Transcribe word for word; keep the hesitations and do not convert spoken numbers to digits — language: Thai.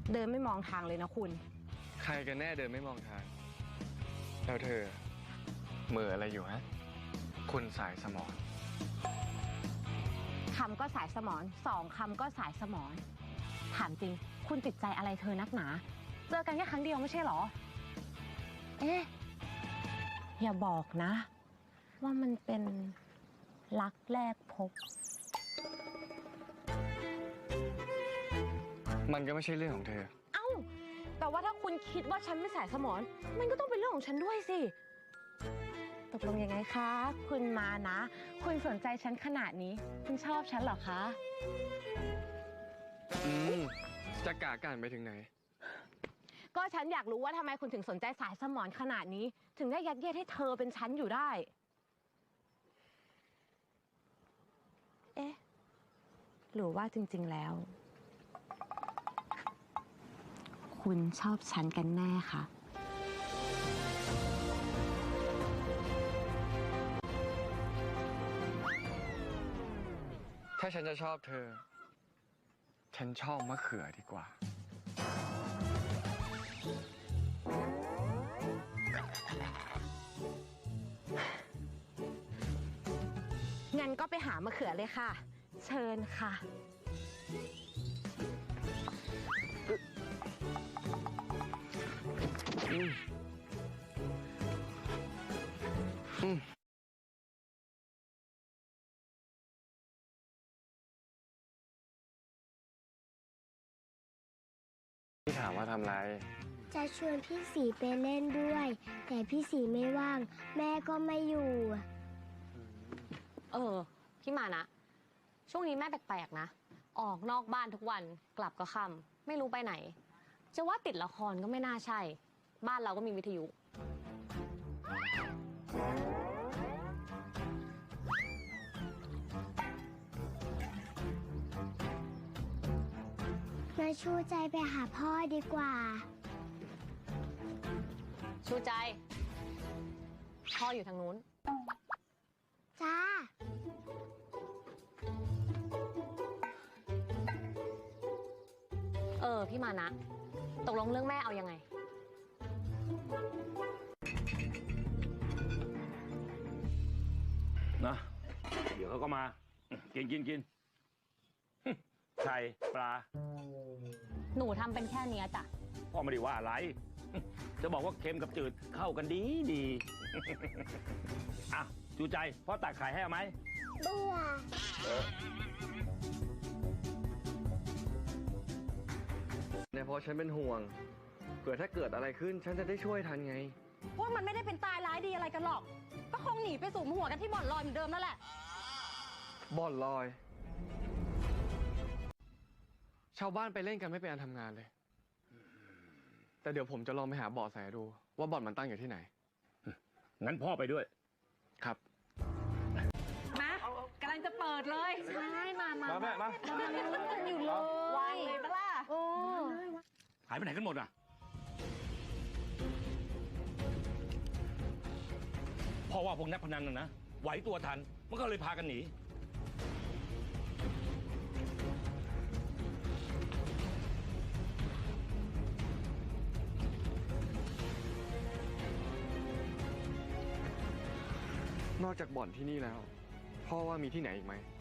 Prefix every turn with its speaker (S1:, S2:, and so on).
S1: เดินไม่มองทางเลยนะคุณ
S2: ใครกันแน่เดินไม่มองทางแล้วเธอเหม่ออะไรอยู่ฮะคุณสายสมอง
S1: คำก็สายสมองสองคำก็สายสมองถามจริงคุณติดใจอะไรเธอนักหนาเจอกันแค่ครั้งเดียวไม่ใช่หรอเอ๊ะอย่าบอกนะว่ามันเป็นรักแรกพบ
S2: มันก็ไม่ใช่เรื่องของเธอ
S1: เอ้าแต่ว่าถ้าคุณคิดว่าฉันไม่สายสมองมันก็ต้องเป็นเรื่องของฉันด้วยสิตกลงยังไงคะคุณมานะคุณสนใจฉันขนาดนี้คุณชอบฉันเหรอคะ
S2: อืมจะกากันไปถึงไหน
S1: ก็ฉันอยากรู้ว่าทำไมคุณถึงสนใจสายสมองขนาดนี้ถึงได้ยัดเยียดให้เธอเป็นฉันอยู่ได้เอ๊ะหรือว่าจริงๆแล้วคุณชอบฉันกันแน่คะ
S2: ถ้าฉันจะชอบเธอฉันชอบมะเขือดีกว่า
S1: งั้นก็ไปหามะเขือเลยค่ะเชิญค่ะ
S2: อืมอืมพี่ถามว่าทำไร
S3: จะชวนพี่สีไปเล่นด้วย แต่พี่สีไม่ว่าง แม่ก็ไม่อยู่
S4: เออพี่มานะช่วงนี้แม่แปลกๆนะออกนอกบ้านทุกวันกลับก็ค่ำไม่รู้ไปไหนจะว่าติดละครก็ไม่น่าใช่บ้านเราก็มีวิทยุ
S3: มาชูใจไปหาพ่อดีกว่า
S4: ชูใจพ่ออยู่ทางนู้น
S3: จ้า
S4: เออพี่มานะตกลงเรื่องแม่เอายังไง
S5: นะเดี๋ยวเขาก็มากินกินกินไข่ปลา
S4: หนูทำเป็นแค่เนี้ยจ้ะ
S5: พ่อไม่ได้ว่าอะไรจะบอกว่าเค็มกับจืดเข้ากันดีดีอ่ะจูใจพ่อตักไข่ให้เอาไหม
S3: เบื่อ
S2: เนี่ยเพราะฉันเป็นห่วงเผื่อถ้าเกิดอะไรขึ้นฉันจะได้ช่วยทันไง
S1: ว่ามันไม่ได้เป็นตายร้ายดีอะไรกันหรอกก็คงหนีไปสู่หัวกันที่บ่อนลอยเหมือนเดิมนั่นแหละ
S2: บ่อนลอยชาวบ้านไปเล่นกันไม่เป็นอันทำงานเลยแต่เดี๋ยวผมจะลองไปหาเบาะแสดูว่าบ่อนมันตั้งอยู่ที่ไหน
S5: งั้นพ่อไปด้วย
S2: ครับ
S1: มากำลังจะเปิดเลยใช่มามา
S5: มาแม่มา
S1: เรามาลุ้นกันอยู่เลยวางเลยปะล่ะโอ้
S5: หายไปไหนกันหมดอ่ะพ่อว่าพวกนักพนันน่ะนะไหวตัวทันมันก็เลยพากันหนี
S2: นอกจากบ่อนที่นี่แล้วพ่อว่ามีที่ไหนอีกไหม